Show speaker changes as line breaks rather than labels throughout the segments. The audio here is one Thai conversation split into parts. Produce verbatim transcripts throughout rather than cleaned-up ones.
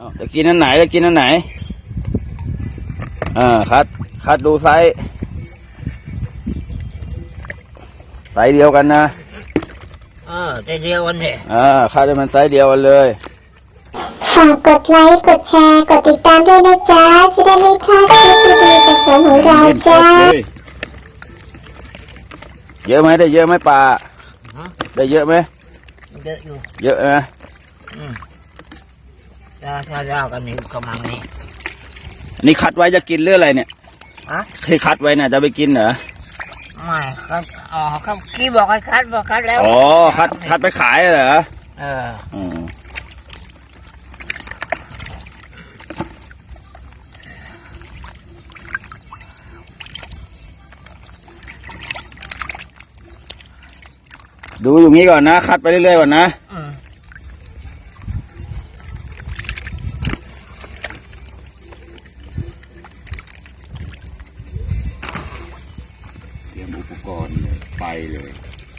จะกินอันไหนจะกินอันไหนอ่าคัดคัดดูไซส์ไซส์เดียวกันนะ
เออไซส์เดียวกันเนี่ย
อ่าคัดให้มันไซส์เดียวกันเลย
ฝากกดไลค์กดแชร์กดติดตามด้วยนะจ๊ะจะได้ไม่พลาดคลิปดีๆจากสวนของเราจ้า
เยอะไหมได้เยอะไหมปลาได้เยอะไหม
เยอะอยู่
เยอะนะ
อืมถ้าถ้าเรากันนี่กำลังนี่
อันนี้คัดไว้จะกินเรื่องอะไรเนี่ย
อะ
เคยคัดไว้น่ะจะไปกินเหรอ
ไม่ครับอ๋อครับกี้บอกให้คัดบอกคัดแล้ว
อ๋อคัดคัดไปขายเหรอ
เอออืม
ดูอย่างนี้ก่อนนะคัดไปเรื่อยๆก่อนนะ
เตรียมอุปกรณ์ไปเลย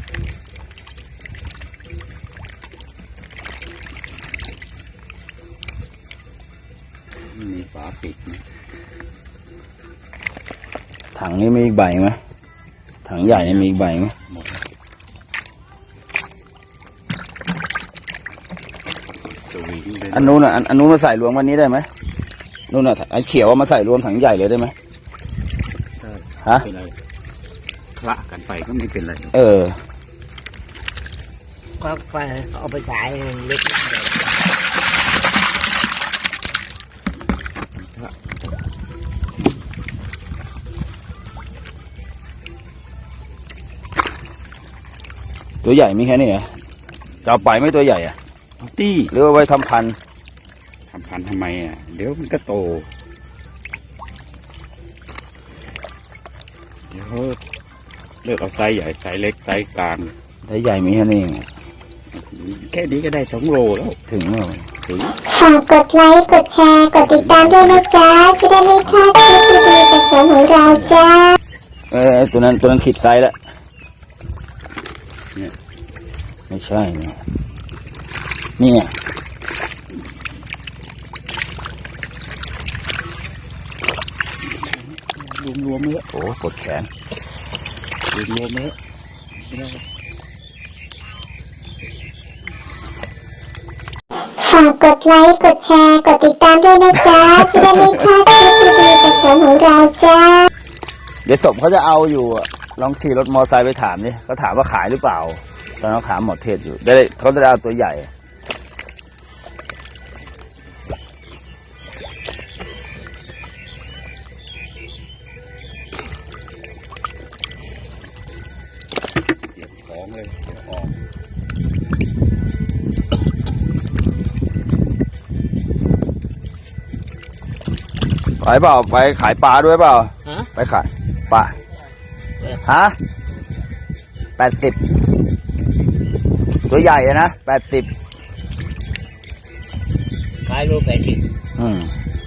มีฝาปิดนะ
ถังนี้มีอีกใบไหมถังใหญ่นี่มีอีกใบไหมอันนู้นอ่ะอันนู้นมาใส่รวมวันนี้ได้ไหมนู้นอ่ะไอ้เขียวมาใส่รวมถังใหญ่เลยได้ไหมฮะ
คละกันไปก็ไม่เป็นไร
เออ
ก็ไปเอาไปขายเล็ก
ตัวใหญ่มีแค่นี้เหรอจะเอาไปไม่ตัวใหญ่อ่ะตี้หรือว่าไว้ทำพันธุ์
ทำพันธุ์ทำไมอ่ะเดี๋ยวมันก็โตเดี๋ยวเลือกเอาไซส์ใหญ่ไซส์เล็กไซส์กลาง
ไซส์ใหญ่มีแค่นี้
แค่นี้ก็ได้สองโลแล้ว
ถึงแล้ว
ถึง
ฝากกดไลค์กดแชร์กดติดตามด้วยนะจ๊ะจะได้ไม่พลาดคลิปดีๆจากสวนของเราจ้า
เออตัวนั้นตัวนั้นขีดไซส์แล้วเนี่ยไม่ใช่เนี่ยนี่ไง
รวมๆเลย
โอ้ปวดแขน
รวมๆเลย
ฝากกดไลค์กดแชร์กดติดตามด้วยนะจ๊ะจะได้ไม่พลาดคลิปดีๆจากสวนของเราจ้า
เดี๋ยวสมเขาจะเอาอยู่ลองขี่รถมอเตอร์ไซค์ไปถามดิเขาถามว่าขายหรือเปล่าตอนนั้นถามหมดเทศอยู่ได้เขาจะเอาตัวใหญ่
ของเลยออก
ไปเปล่าไปขายปลาด้วยเปล่าไปขายปลาฮะแปดสิบตัวใหญ่นะแปดสิบ
ขายรูปแปดสิบ
อืม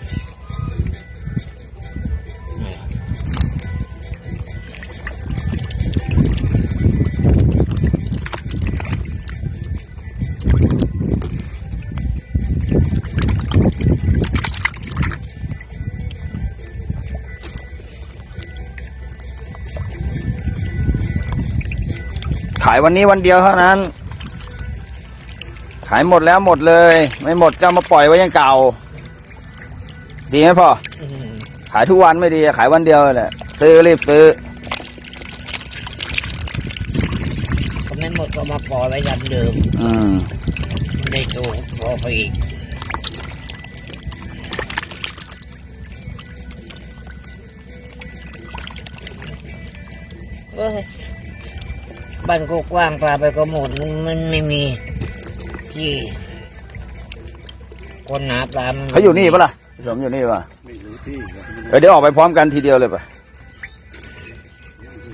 ขายวันนี้วันเดียวเท่านั้นขายหมดแล้วหมดเลยไม่หมดก็มาปล่อยไว้ยังเก่าดีไหมพ่อขายทุกวันไม่ดีขายวันเดียวแหละซื้อรีบซื้อ
ก็ไม่หมดก็มาปล่อยไว้ยันเดิม
อืม
ได้โตพอไปอีกเฮ้ยบ้านก็กว้างปลาไปก็หมดมันไม่มีที่คนหาปลา
เขาอยู่นี่ปะล่ะผมอยู่นี่ปะเดี๋ยวออกไปพร้อมกันทีเดียวเลยปะ